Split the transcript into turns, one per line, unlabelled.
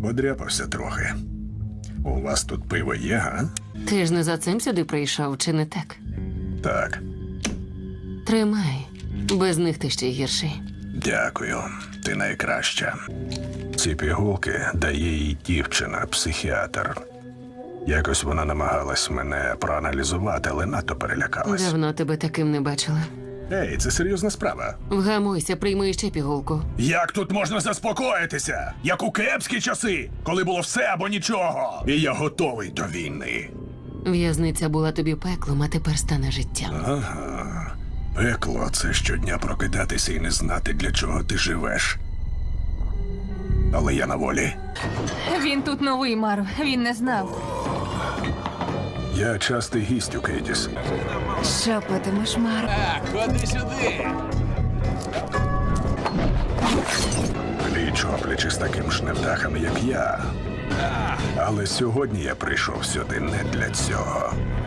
Подряпався трохи. У вас тут пиво є, га?
Ти ж не за цим сюди прийшов, чи не так?
Так,
Тримай. Без них ти ще гірший.
дякую. Ти найкраща. Ці пігулки дає їй дівчина, психіатр. Якось вона намагалась мене проаналізувати, але надто перелякалась.
Давно тебе таким не бачила.
Ей, це серйозна справа.
Вгамуйся, прийми ще пігулку.
Як тут можна заспокоїтися? Як у кепські часи, коли було все або нічого. І я готовий до війни.
В'язниця була тобі пеклом, а тепер стане життям.
Ага. Пекло – це щодня прокидатися і не знати, для чого ти живеш. Але я на волі.
Він тут новий, Маро. Він не знав.
Я частий гість у Кейтіс.
Що питимеш, Маро?
Так, ходи сюди.
Пліч-опліч із таким ж невдахами, як я. Але сьогодні я прийшов сюди не для цього.